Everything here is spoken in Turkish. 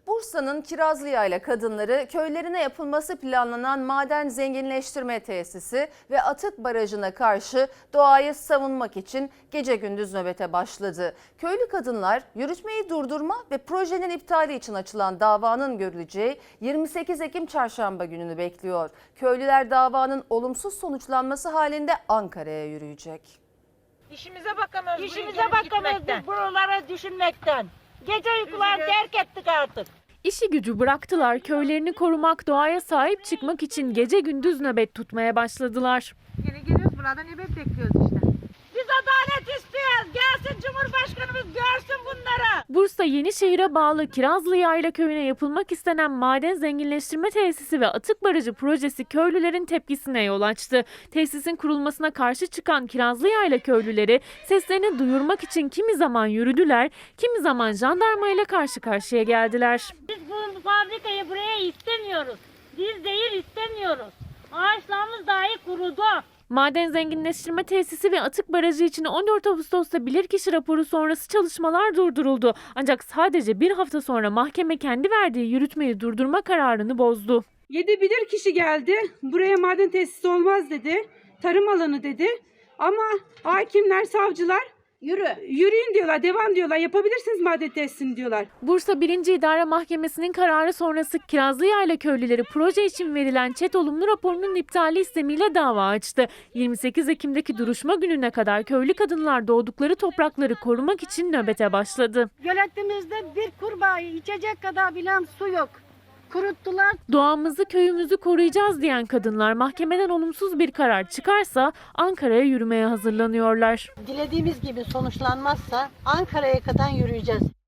Bursa'nın Kirazlıyayla kadınları köylerine yapılması planlanan maden zenginleştirme tesisi ve atık barajına karşı doğayı savunmak için gece gündüz nöbete başladı. Köylü kadınlar yürütmeyi durdurma ve projenin iptali için açılan davanın görüleceği 28 Ekim çarşamba gününü bekliyor. Köylüler davanın olumsuz sonuçlanması halinde Ankara'ya yürüyecek. İşimize bakamıyoruz. İşimize bakamıyoruz biz buralara düşünmekten. Gece uykular terk ettik artık. İşi gücü bıraktılar, köylerini korumak, doğaya sahip çıkmak için gece gündüz nöbet tutmaya başladılar. Yine geliyoruz burada nöbet bekliyoruz işte. Biz adalet istiyoruz. Gelsin Cumhurbaşkanımız görsün bunları. Bursa Yenişehir'e bağlı Kirazlıyayla köyüne yapılmak istenen maden zenginleştirme tesisi ve atık barajı projesi köylülerin tepkisine yol açtı. Tesisin kurulmasına karşı çıkan Kirazlıyayla köylüleri seslerini duyurmak için kimi zaman yürüdüler, kimi zaman jandarmayla karşı karşıya geldiler. Biz bu fabrikayı buraya istemiyoruz. Biz zehir istemiyoruz. Ağaçlarımız dahi kurudu. Maden zenginleştirme tesisi ve atık barajı için 14 Ağustos'ta bilirkişi raporu sonrası çalışmalar durduruldu. Ancak sadece bir hafta sonra mahkeme kendi verdiği yürütmeyi durdurma kararını bozdu. 7 bilirkişi geldi. Buraya maden tesisi olmaz dedi. Tarım alanı dedi. Ama hakimler, savcılar yürüyün diyorlar, devam diyorlar. Yapabilirsiniz maden tesisini diyorlar. Bursa 1. İdare Mahkemesi'nin kararı sonrası Kirazlıyayla köylüleri proje için verilen ÇED olumlu raporunun iptali istemiyle dava açtı. 28 Ekim'deki duruşma gününe kadar köylü kadınlar doğdukları toprakları korumak için nöbete başladı. Göletimizde bir kurbağayı içecek kadar bilen su yok. Kuruttular. Doğamızı, köyümüzü koruyacağız diyen kadınlar mahkemeden olumsuz bir karar çıkarsa Ankara'ya yürümeye hazırlanıyorlar. Dilediğimiz gibi sonuçlanmazsa Ankara'ya kadar yürüyeceğiz.